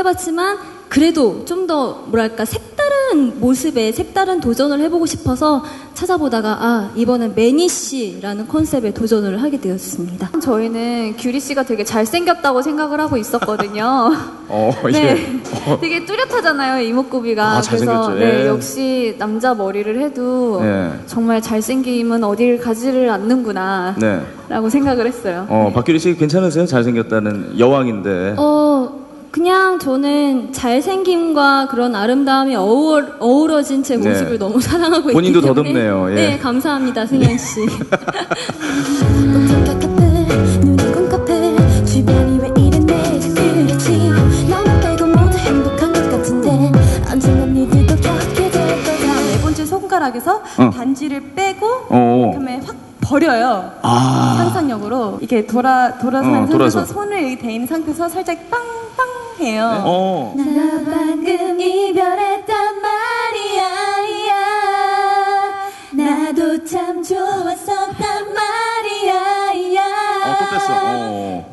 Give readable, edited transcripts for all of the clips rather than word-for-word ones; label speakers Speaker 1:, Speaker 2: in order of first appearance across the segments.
Speaker 1: 해봤지만 그래도 좀 더 뭐랄까 색다른 모습에 색다른 도전을 해보고 싶어서 찾아보다가 이번엔 매니 씨라는 컨셉에 도전을 하게 되었습니다.
Speaker 2: 저희는 규리 씨가 되게 잘생겼다고 생각을 하고 있었거든요. 네, 되게 뚜렷하잖아요 이목구비가. 그래서 네, 역시 남자 머리를 해도 정말 잘생김은 어디를 가지를 않는구나 라고 생각을 했어요.
Speaker 3: 박규리 씨 괜찮으세요? 잘생겼다는 여왕인데.
Speaker 1: 그냥 저는 잘생김과 그런 아름다움이 어우러진 제 모습을 너무 사랑하고 있기 때문에
Speaker 3: 본인도 더듬네요.
Speaker 1: 네, 감사합니다, 승현 씨.
Speaker 4: 네 번째 손가락에서 반지를 빼고 그다음에 확 버려요. 상상력으로 이렇게 돌아서 상태에서 손을 여기 대 있는 상태에서 살짝 빵빵 해요.
Speaker 1: 나 방금 이별했단 말이야. 나도 참 좋았었단 말이야.
Speaker 3: 또 뺐어.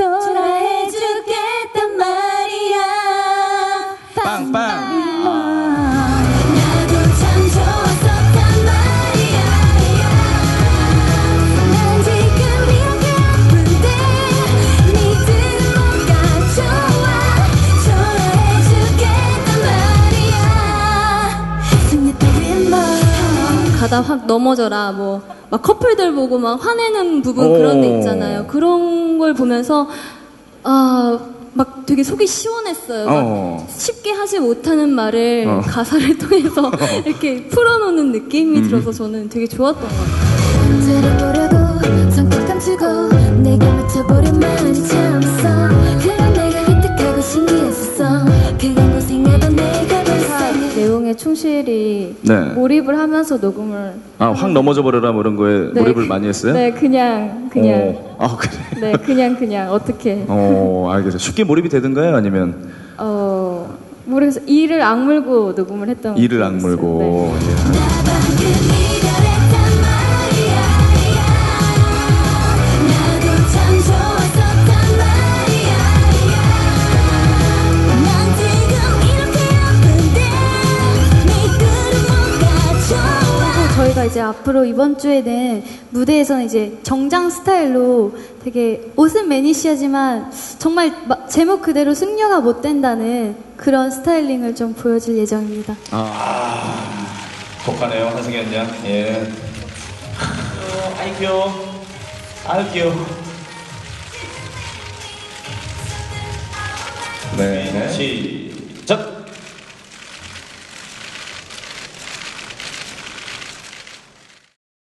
Speaker 1: 초라해주겠단 말이야.
Speaker 3: 빵빵.
Speaker 1: 가다 확 넘어져라 막 커플들 보고 막 화내는 부분 그런 데 있잖아요. 그런 걸 보면서 막 되게 속이 시원했어요. 막 쉽게 하지 못하는 말을 가사를 통해서 이렇게 풀어놓는 느낌이 들어서 저는 되게 좋았던 것 같아요. 들어보려고 성격 감추고 내가 맞춰보려 많이 참았어. 그런 내가 기특하고 신기했었어. 그건 고생하던 내가 내용에 충실히 몰입을 하면서 녹음을
Speaker 3: 확 넘어져 버려라 뭐 이런 거에 몰입을 많이 했어요?
Speaker 1: 네, 그냥
Speaker 3: 그래?
Speaker 1: 네, 그냥 어떻게
Speaker 3: 알겠어요. 쉽게 몰입이 되던가요? 아니면
Speaker 1: 모르겠어요. 이를 악물고 녹음을 했던
Speaker 3: 이를 악물고
Speaker 1: 저희가 이제 앞으로 이번 주에는 무대에서는 이제 정장 스타일로 되게 옷은 매니시하지만 정말 제목 그대로 승려가 못 된다는 그런 스타일링을 좀 보여줄 예정입니다.
Speaker 3: 독하네요, 한승현 양. 예. 아이 귀여워. 아유 귀여워. 네.